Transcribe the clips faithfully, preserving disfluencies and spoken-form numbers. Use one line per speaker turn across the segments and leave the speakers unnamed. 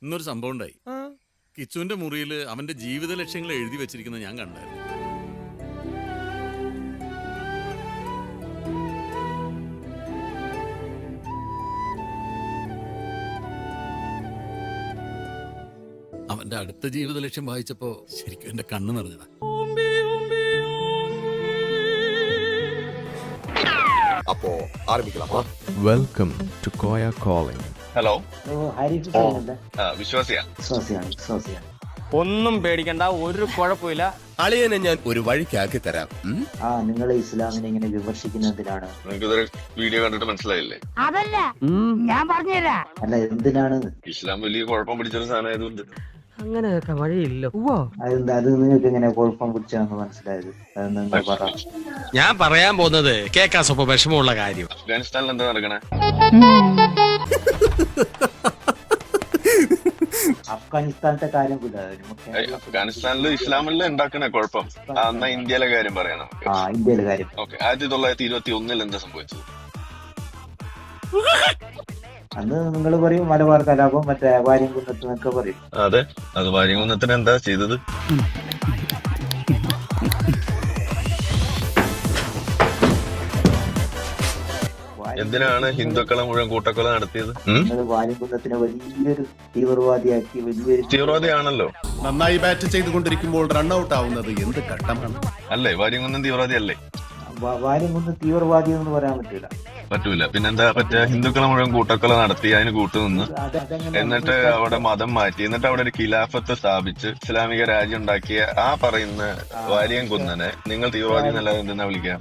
ഇന്നൊരു സംഭവം ഉണ്ടായി. കിച്ചുവിന്റെ മുറിയിൽ അവന്റെ ജീവിത ലക്ഷ്യങ്ങൾ എഴുതി വെച്ചിരിക്കുന്നത് ഞാൻ കണ്ടായിരുന്നു. അവന്റെ അടുത്ത ജീവിത ലക്ഷ്യം വായിച്ചപ്പോ ശരിക്കും എന്റെ കണ്ണ് നിറഞ്ഞതാ.
അപ്പോ ആരംഭിക്കലാമോ?
Welcome to Koya calling.
Hello,
ഒന്നും പേടിക്കണ്ട, ഒരു കുഴപ്പമില്ല.
അളിയനെ ഞാൻ ഒരു വഴിക്കാക്കി തരാം.
ആ നിങ്ങൾ ഇസ്ലാമിനെ ഇങ്ങനെ വിമർശിക്കുന്നതിനാണ്.
നിങ്ങൾക്ക് വീഡിയോ കണ്ടിട്ട് മനസ്സിലായില്ലേ?
അതല്ല ഞാൻ പറഞ്ഞുതരാ.
അല്ല എന്തിനാണ്?
ഇസ്ലാം വലിയ കുഴപ്പം പിടിച്ചൊരു സാധനമായതുകൊണ്ട്.
അങ്ങനെയൊക്കെ വഴിയില്ല.
അതെന്താ അത് നിങ്ങൾക്ക് ഇങ്ങനെ കുഴപ്പം പിടിച്ചാന്ന് മനസ്സിലായത്? അതെന്താ പറ.
ഞാൻ പറയാൻ പോകുന്നത് കേൾക്കാൻ സ്വപ്പം വിഷമമുള്ള കാര്യം.
അഫ്ഗാനിസ്ഥാനിൽ എന്താ നടക്കണേ?
അഫ്ഗാനിസ്ഥാനത്തെ കാര്യം
അഫ്ഗാനിസ്ഥാനിൽ ഇസ്ലാമില് ഉണ്ടാക്കണേ കുഴപ്പം. എന്നാ ഇന്ത്യയിലെ കാര്യം പറയാം നമുക്ക്.
ആ ഇന്ത്യയിലെ കാര്യം.
ഓക്കെ, ആയിരത്തി തൊള്ളായിരത്തി ഇരുപത്തി ഒന്നിൽ എന്താ സംഭവിച്ചത്?
അന്ന് നിങ്ങൾ പറയും മലബാർ കലാപം, മറ്റേ വാര്യംകുന്നത്ത് എന്നൊക്കെ പറയും.
അതെ, അത് വാര്യംകുന്നത്തിന് എന്താ ചെയ്തത്? എന്തിനാണ് ഹിന്ദുക്കളെ മുഴുവൻ കൂട്ടക്കൊല നടത്തിയത്?
വാര്യംകുന്നത്തിനെ വലിയൊരു തീവ്രവാദിയാക്കി. വലിയൊരു
തീവ്രവാദിയാണല്ലോ.
നന്നായി ബാറ്റ് ചെയ്തുകൊണ്ടിരിക്കുമ്പോൾ റൺഔട്ട് ആവുന്നത് എന്ത് ഘട്ടമാണ്?
അല്ലേ, വാര്യംകുന്നം തീവ്രവാദി അല്ലേ?
വാര്യംകുന്നം തീവ്രവാദി എന്ന് പറയാൻ പറ്റൂല.
പറ്റൂല. പിന്നെന്താ പറ്റുക? ഹിന്ദുക്കളെ മുഴുവൻ കൂട്ടക്കൊല നടത്തി, അതിന് കൂട്ടുനിന്ന്, എന്നിട്ട് അവിടെ മതം മാറ്റി, എന്നിട്ട് അവിടെ ഒരു ഖിലാഫത്ത് സ്ഥാപിച്ച് ഇസ്ലാമിക രാജ്യം ഉണ്ടാക്കിയ ആ പറയുന്ന വാര്യംകുന്നനെ നിങ്ങൾ തീവ്രവാദി എന്നല്ലാതെ എന്തെന്നാ വിളിക്കാം?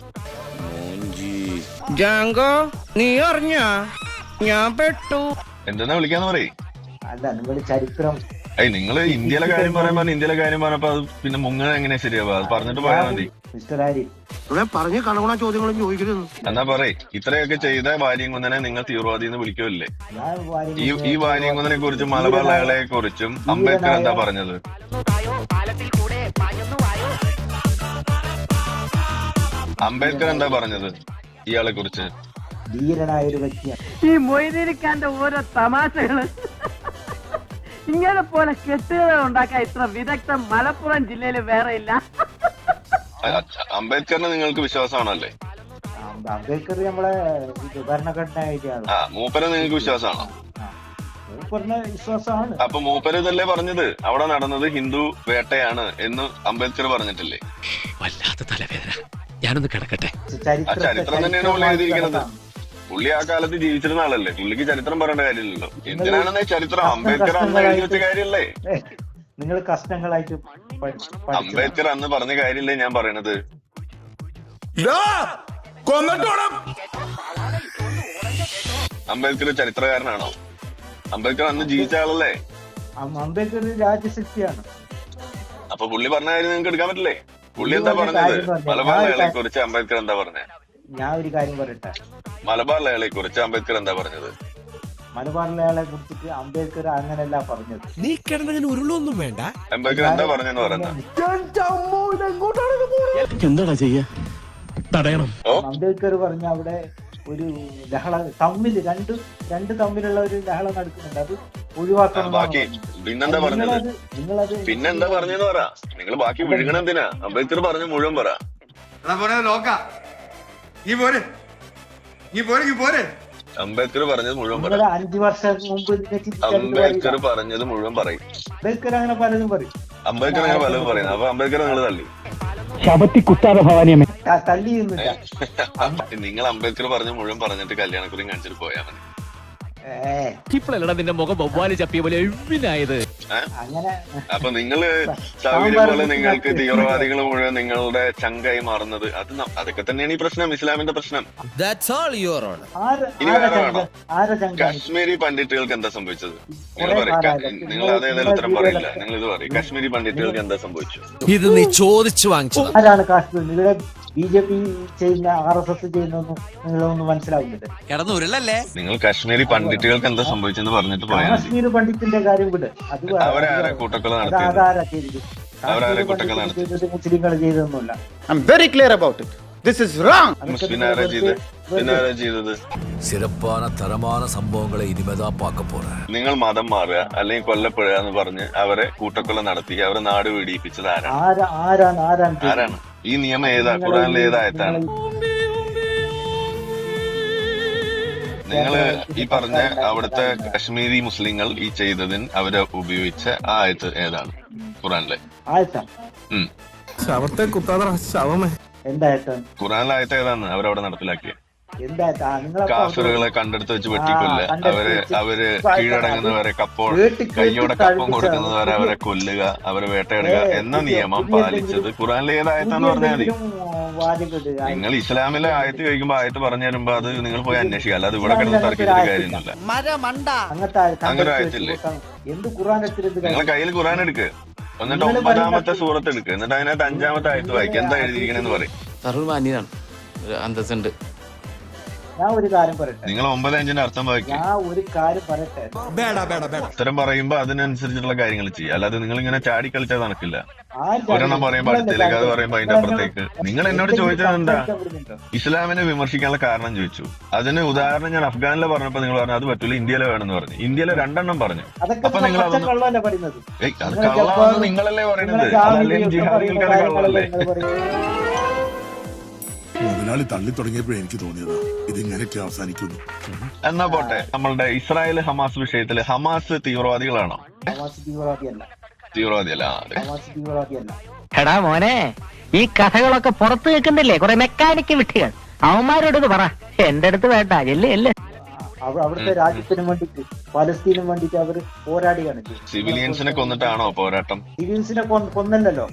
നീ അറിഞ്ഞ ഞാൻ പെട്ടു
എന്തെന്നാ വിളിക്കാന്ന് പറയും?
അല്ല നിങ്ങൾ ചരിത്രം.
അയ് നിങ്ങള് ഇന്ത്യയിലെ കാര്യം പറയാൻ പറഞ്ഞ ഇന്ത്യയിലെ കാര്യം പറഞ്ഞപ്പോ അത് പിന്നെ മുങ്ങ എങ്ങനെ ശരിയാവുക? അത് പറഞ്ഞിട്ട് പോയാൽ മതി.
മിസ്റ്റർ ആരി
പറഞ്ഞ കണകുണ ചോദ്യങ്ങളും ചോദിക്കരുത്.
എന്നാ പറയ്, ഇത്രയൊക്കെ ചെയ്ത വാര്യംകുന്നനെ നിങ്ങൾ തീവ്രവാദി എന്ന് വിളിക്കുമല്ലേ? ഈ ഈ വാര്യംകുന്നനെ കുറിച്ചും മലബാർ ലഹളയെ കുറിച്ചും അംബേദ്കർ എന്താ പറഞ്ഞത്? അംബേദ്കർ എന്താ പറഞ്ഞത് ഇയാളെ കുറിച്ച്?
ധീരനായ ഒരു വ്യക്തിയാണ്.
ഈ മൊയ്തീനിക്കാന്റെ ഓരോ തമാശകള് ഇങ്ങനെ പോലെ കെട്ടുകൾ ഉണ്ടാക്കാൻ ഇത്ര വിദഗ്ധം മലപ്പുറം ജില്ലയിൽ വേറെ ഇല്ല.
അംബേദ്കറിന് നിങ്ങൾക്ക് വിശ്വാസമാണല്ലേ?
അംബേദ്കർ നമ്മളെ ഭരണഘടന എഴുതിയാണ്.
ആ, മൂപ്പരെ നിങ്ങൾക്ക് വിശ്വാസമാണോ?
മൂപ്പറിന് വിശ്വാസമാണ്.
അപ്പൊ മൂപ്പര് ഇതല്ലേ പറഞ്ഞത് അവിടെ നടന്നത് ഹിന്ദു വേട്ടയാണ് എന്ന് അംബേദ്കർ പറഞ്ഞിട്ടില്ലേ?
വല്ലാത്ത തലവേദന, ഞാനൊന്ന് കിടക്കട്ടെ.
ആ ചരിത്രം തന്നെയാണ് പുള്ളി എഴുതിയിരിക്കുന്നത്. പുള്ളി ആ കാലത്ത് ജീവിച്ചിരുന്ന ആളല്ലേ, പുള്ളിക്ക് ചരിത്രം പറയേണ്ട കാര്യമില്ലല്ലോ. എന്തിനാണെന്ന് ചരിത്രം? അംബേദ്കർ അന്ന് എഴുതി വെച്ച കാര്യമല്ലേ?
നിങ്ങൾ കഷ്ണങ്ങളായിട്ട്
അംബേദ്കർ അന്ന് പറഞ്ഞ കാര്യമില്ലേ ഞാൻ പറയണത്? അംബേദ്കർ ചരിത്രകാരനാണോ? അംബേദ്കർ അന്ന് ജീവിച്ച ആളല്ലേ?
അംബേദ്കർ രാജ്യശക്തിയാണ്.
അപ്പൊ പുള്ളി പറഞ്ഞ കാര്യം നിങ്ങൾക്ക് എടുക്കാൻ പറ്റില്ലേ? പുള്ളി എന്താ പറഞ്ഞത്? മലബാർ ലഹളയെ കുറിച്ച് അംബേദ്കർ എന്താ പറഞ്ഞത്?
ഞാൻ ഒരു കാര്യം പറയട്ടെ.
മലബാർ ലഹളയെ കുറിച്ച് അംബേദ്കർ എന്താ പറഞ്ഞത്?
മലബാർ ലഹളയെ കുറിച്ചിട്ട് അംബേദ്കർ അങ്ങനെയല്ല പറഞ്ഞത്.
നീ കിടന്നതിന് ഉരുളൊന്നും വേണ്ട.
അംബേദ്കർ എന്താ പറഞ്ഞെന്ന് പറഞ്ഞ?
എന്താടാ ചെയ്യാ? തടയണം.
അംബേദ്കർ പറഞ്ഞ അവിടെ ഒരു ലഹള തമ്മിൽ രണ്ട് രണ്ട് തമ്മിലുള്ള ഒരു ലഹള നടക്കുന്നുണ്ട്, അത് ഒഴിവാക്കണം.
ബാക്കി പിന്നെന്താ പറഞ്ഞത്?
നിങ്ങളത്
പിന്നെന്താ പറഞ്ഞെന്ന് പറ. നിങ്ങൾ ബാക്കി വിഴുകണം എന്തിനാ? അംബേദ്കർ പറഞ്ഞ മുഴുവൻ പറ. അംബേദ്കർ പറഞ്ഞത് മുഴുവൻ പറ.
അഞ്ചു വർഷം മുമ്പ്
അംബേദ്കർ പറഞ്ഞത് മുഴുവൻ പറയും.
അംബേദ്കർ അങ്ങനെ പലതും പറയും.
അംബേദ്കർ അങ്ങനെ പലതും പറയുന്നത്. അപ്പൊ അംബേദ്കർ നിങ്ങൾ തള്ളി
തള്ളിയൊന്നുമില്ല.
നിങ്ങൾ അംബേദ്കർ പറഞ്ഞ മുഴുവൻ പറഞ്ഞിട്ട് കല്യാണക്കുറിയും കാണിച്ചിട്ട് പോയാൽ മതി.
ഇപ്പോഴല്ലടാ നിന്റെ മുഖം ബൊവ്വാലി ചപ്പിയ പോലെ എഴുവിനായത്.
അങ്ങനെ
അപ്പൊ നിങ്ങള് സൗകര്യം പോലെ നിങ്ങൾക്ക് തീവ്രവാദികൾ മുഴുവൻ നിങ്ങളുടെ ചങ്കായി മാറുന്നത്, അത് അതൊക്കെ തന്നെയാണ് ഈ പ്രശ്നം, ഇസ്ലാമിന്റെ പ്രശ്നം. ഇനി വേറെ വേണോ? കാശ്മീരി പണ്ഡിറ്റുകൾക്ക് എന്താ സംഭവിച്ചത്? നിങ്ങൾ പറയും. നിങ്ങൾ അതേതായാലും ഉത്തരം പറയില്ല. നിങ്ങൾ ഇത് പറയും, കാശ്മീരി പണ്ഡിറ്റുകൾക്ക് എന്താ സംഭവിച്ചു?
ഇത് നീ ചോദിച്ചു വാങ്ങിച്ചു.
ആരാണ് കാശ്മീർ? നിങ്ങളുടെ ബി ജെ പി ചെയ്യുന്ന, ആർ എസ് എസ് ചെയ്യുന്നൊന്നും നിങ്ങളൊന്നും മനസ്സിലാവുന്നില്ല.
കിടന്നുരുളല്ലേ?
നിങ്ങൾ കാശ്മീരി പണ്ഡിറ്റുകൾക്ക് എന്താ സംഭവിച്ചെന്ന് പറഞ്ഞിട്ട് പോയാൽ മതി.
കാശ്മീർ പണ്ഡിറ്റിന്റെ കാര്യം വിട്. അത്
അവരാരാ കൂട്ടക്കൊല നടത്തിയത്?
അതാരാ ചെയ്തത്?
അവരാരെ കൂട്ടക്കൊല നടത്തിയത്?
മുസ്ലിങ്ങൾ ചെയ്തൊന്നുമില്ല.
I am very clear about it.
പിന്നെ ആരാ ചെയ്ത് പിന്നെ ആരാ ചെയ്തത്?
சிறப்பான தரமான சம்பவங்களை இனிமேதான் பார்க்க போறேன்.
നിങ്ങൾ മതം മാറുക അല്ലെങ്കിൽ കൊല്ലപ്പെടുക എന്ന് പറഞ്ഞ് അവരെ കൂട്ടക്കൊല നടത്തി അവരെ നാട് വെടിയിപ്പിച്ചത് ആരാണ്?
ആരാ ആരാണ് ആരാണ് ചെയ്തത്?
ആരാണ്? ഈ നിയമം ഏതാ? ഖുറാനിലെ ഏതായത്താണ്? നിങ്ങള് ഈ പറഞ്ഞ അവിടുത്തെ കശ്മീരി മുസ്ലിങ്ങൾ ഈ ചെയ്തതിന് അവര് ഉപയോഗിച്ച ആ ആയത്ത് ഏതാണ് ഖുറാനിലെ?
ആയത്താ
ഉം
ശവത്തെ കുത്താതെ ശവമേ.
എന്തായത്താ?
ഖുറാനിലെ ആയത്ത് ഏതാണ് അവരവിടെ നടപ്പിലാക്കിയത്?
എന്തായത്താ? നിങ്ങൾ
കാഫിറുകളെ കണ്ടെടുത്ത് വെച്ച് വെട്ടിക്കൊല്ലുക,
ആ, കണ്ടെടുത്ത്
അവര്
വെച്ച്
അവര്
ഇപ്പൊ
കീഴടങ്ങുന്നവരെ കപ്പോൾ
കേട്ട് കേട്ട്
കയ്യോടെ കപ്പം
തഴപ്പിച്ച
കൊടുക്കുന്നവരെ അവരെ കൊല്ലുക, അവരെ വേട്ടയിടുക
ഏ,
എന്ന
പുതിയ-
നിയമം
പുതിയ
പാലിച്ചത്
എന്തെങ്കിലും-
ഖുറാനിലെ ഏതായത്താന്ന് പറഞ്ഞാൽ മതി.
വാചകം
നിങ്ങൾ ഇസ്ലാമിലെ ആയത്ത് ചോദിക്കുമ്പോ ആയത്ത് പറഞ്ഞു തരുമ്പോ അത് നിങ്ങൾ പോയി അന്വേഷിക്കുക, അല്ലാതെ ഇവിടെ കിടന്ന് തർക്കിച്ചിട്ട് കാര്യമൊന്നുമില്ല.
അങ്ങനത്തെ
അങ്ങനെ ആയത്തില്ലേ?
എന്ത് ഖുർആൻ എടുത്തിട്ട്
നിങ്ങൾ കയ്യിൽ ഖുറാൻ എടുക്ക്, എന്നിട്ട്
നിങ്ങള്
ഒമ്പതാമത്തെ
പറയുന്ന-
സൂറത്ത് എടുക്ക്, എന്നിട്ട് അതിനകത്ത് അഞ്ചാമത്തെ ആയത്ത് വായിക്കുക, എന്താ എഴുതിയിരിക്കണെന്ന് പറയും.
സർവമാന്യനാണ്, അന്തസ്സുണ്ട്.
ഞാൻ ഒരു കാര്യം പറയട്ടെ
നിങ്ങൾ ഒമ്പത് അഞ്ചിന്റെ അർത്ഥം വായിക്കുക.
ഞാൻ ഒരു കാര്യം പറയട്ടെ
ഉത്തരം പറയുമ്പോ അതിനനുസരിച്ചിട്ടുള്ള കാര്യങ്ങൾ ചെയ്യുക, അല്ലാതെ നിങ്ങൾ ഇങ്ങനെ ചാടി കളിച്ചാൽ നടക്കില്ല.
ആര്
ഒരെണ്ണം പറയുമ്പോ അടുത്തേക്ക്, അത് പറയുമ്പോ അതിന്റെ അപ്പുറത്തേക്ക്. നിങ്ങൾ എന്നോട് ചോദിച്ചത് എന്താ? ഇസ്ലാമിനെ വിമർശിക്കാനുള്ള കാരണം ചോദിച്ചു. അതിന് ഉദാഹരണം ഞാൻ അഫ്ഗാനിലെ പറഞ്ഞപ്പോ നിങ്ങൾ പറഞ്ഞു അത് പറ്റൂല, ഇന്ത്യയിലെ വേണമെന്ന് പറഞ്ഞു. ഇന്ത്യയിലെ രണ്ടെണ്ണം പറഞ്ഞു.
അതൊക്കെ
അപ്പൊ നിങ്ങൾ അതൊന്നും
കള്ളല്ലേ പറയുന്നത്?
ഏയ് അത് കള്ളാണെന്ന് നിങ്ങളല്ലേ പറയുന്നത്? അതല്ലെങ്കിൽ ജിഹാദികൾക്ക് അത് കള്ളല്ലേ?
മുതലാളി തള്ളി തുടങ്ങിയപ്പോഴേ എനിക്ക് തോന്നിയതാ ഇതിങ്ങനെയൊക്കെ അവസാനിക്കുന്നു.
എന്നാ പോട്ടെ, നമ്മളുടെ ഇസ്രായേൽ ഹമാസ് വിഷയത്തില് ഹമാസ് തീവ്രവാദികളാണോ?
ഹമാസ് തീവ്രവാദിയല്ല.
തീവ്രവാദിയല്ല. ആ, അതെ.
ഹമാസ് തീവ്രവാദിയല്ല.
എടാ മോനെ, ഈ കഥകളൊക്കെ പുറത്ത് കേൾക്കുന്നില്ലേ കുറെ മെക്കാനിക്ക് വിട്ടികൾ, അവന്മാരോട് ഇത് പറ, എന്റെ അടുത്ത് വേണ്ട. എല്ലേ എല്ലേ
അവ- അവിടുത്തെ രാജ്യത്തിനും വേണ്ടിട്ട് പലസ്തീനും വേണ്ടിട്ട് അവര് പോരാടിയാണ് ചെയ്തത്.
സിവിലിയൻസിനെ കൊന്നിട്ടാണോ പോരാട്ടം?
സിവിൽസിനെ കൊ- കൊന്നല്ലോ.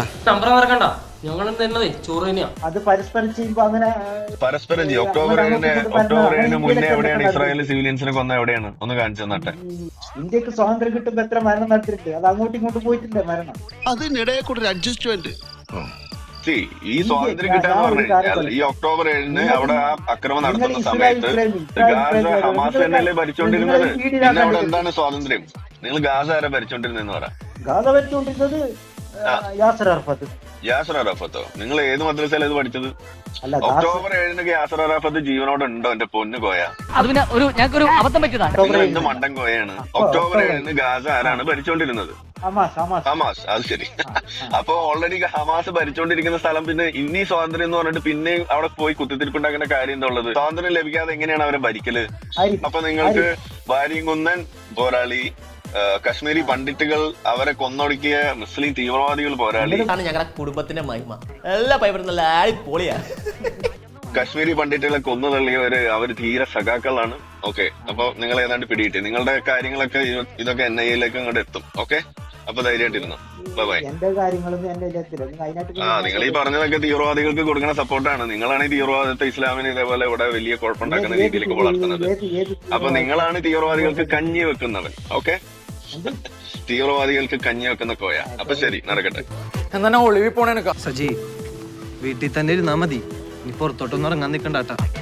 അത് പരസ്പരം ചെയ്യുമ്പോ അങ്ങനെ
പരസ്പരം ചെയ്യും. ഒക്ടോബർ ഏഴിന് ഒക്ടോബർ ഏഴിന് മുന്നേ എവിടെയാണ് ഇസ്രായേൽ സിവിലിയൻസിനെ കൊന്ന? എവിടെയാണ്? ഒന്ന് കാണിച്ചു തന്നട്ടെ.
ഇന്ത്യക്ക് സ്വാതന്ത്ര്യം കിട്ടുമ്പോ എത്ര മരണം നടത്തിയിട്ടുണ്ട്? അത് അങ്ങോട്ടും ഇങ്ങോട്ടും പോയിട്ടുണ്ട് മരണം.
അതിനിടയിൽ കൂടെ ഒരു അഡ്ജസ്റ്റ്മെന്റ്.
See, ഈ സ്വാതന്ത്ര്യം കിട്ടാന്ന് പറഞ്ഞു കഴിഞ്ഞാൽ ഈ ഒക്ടോബർ ഏഴിന് അവിടെ ആ അക്രമം നടത്തുന്ന സമയത്ത് ഗാസ ഹമാസ് തന്നെയല്ലേ ഭരിച്ചോണ്ടിരുന്നത്. പിന്നെ അവിടെ എന്താണ് സ്വാതന്ത്ര്യം? നിങ്ങൾ ഗാസ ആരാ ഭരിച്ചോണ്ടിരുന്നെന്ന് പറ.
ഗാസ ഭരിച്ചുകൊണ്ടിരുന്നത് യാസർ അറഫത്ത്.
യാസർ അറാഫത്തോ? നിങ്ങൾ ഏത് മദ്രസയിലാണ് ഇത് പഠിച്ചത്?
അല്ല, ഗാസ-
ഒക്ടോബർ ഏഴിന് യാസർ അറാഫത്ത് ജീവനോടെ ഉണ്ടോ? എന്റെ പൊന്ന് കോയ,
അത് പിന്നെ ഒരു ഞങ്ങൾക്കൊരു അബദ്ധം പറ്റിയതാണ്.
നിങ്ങൾ എന്ത് മണ്ടൻ കോയാണ്? ഒക്ടോബർ ഏഴിന് ഗാസ ആരാണ് ഭരിച്ചോണ്ടിരുന്നത്?
Hamas Hamas
Hamas. അത് ശരി. അപ്പൊ ഓൾറെഡി ഹമാസ് ഭരിച്ചോണ്ടിരിക്കുന്ന സ്ഥലം പിന്നെ ഇന്നീ സ്വാതന്ത്ര്യം എന്ന് പറഞ്ഞിട്ട് പിന്നെയും അവിടെ പോയി കുത്തിത്തിരിപ്പുണ്ടാക്കുന്ന കാര്യം എന്താ ഉള്ളത്? സ്വാതന്ത്ര്യം ലഭിക്കാതെ എങ്ങനെയാണ് അവരെ ഭരിക്കല്?
ആയിരിക്കും.
അപ്പൊ നിങ്ങൾക്ക് വാരിയംകുന്നൻ പോരാളി, ആ, കശ്മീരി പണ്ഡിറ്റുകൾ, അവരെ കൊന്നൊടുക്കിയ മുസ്ലിം തീവ്രവാദികൾ പോരാളി,
ഞങ്ങളുടെ കുടുംബത്തിന്റെ മഹിമ എല്ലാ പൈപ്പറും നല്ല പൊളിയാ.
കശ്മീരി പണ്ഡിറ്റുകളെ കൊന്നു തള്ളിയവര് അവര് തീരെ സഖാക്കളാണ്. ഓക്കെ, അപ്പൊ നിങ്ങൾ ഏതാണ്ട് പിടികിട്ടി. നിങ്ങളുടെ കാര്യങ്ങളൊക്കെ ഇത് ഇതൊക്കെ എൻ ഐ എയിലേക്ക് അങ്ങോട്ട് എത്തും. ഓക്കെ, അപ്പൊ ധൈര്യമായിട്ടിരുന്നു. Bye bye.
എന്റെ കാര്യങ്ങളൊന്നും എന്റെ ഇതിലെത്തില്ല. നിങ്ങൾ അതിനായിട്ട്
ആ, നിങ്ങൾ ഈ പറഞ്ഞതൊക്കെ തീവ്രവാദികൾക്ക് കൊടുക്കുന്ന സപ്പോർട്ടാണ്. നിങ്ങളാണ് ഈ തീവ്രവാദത്തെ ഇസ്ലാമിന് ഇതേപോലെ ഇവിടെ വലിയ കുഴപ്പമുണ്ടാക്കുന്ന രീതിയിലേക്ക് വളർത്തുന്നത്.
ഏത് ഏത്
അപ്പൊ നിങ്ങളാണ് തീവ്രവാദികൾക്ക് കഞ്ഞി വെക്കുന്നവൻ. ഓക്കെ, തീവ്രവാദികൾക്ക് കഞ്ഞി വെക്കുന്ന കോയ. അപ്പൊ ശരി, നടക്കട്ടെ.
എന്നാ ഒളിവി പോണേനൊക്കെ
സജി വീട്ടിൽ തന്നെ ഇരുന്നാ മതി, നീ പുറത്തോട്ടൊന്നും ഇറങ്ങാൻ നിൽക്കണ്ടാട്ടാ.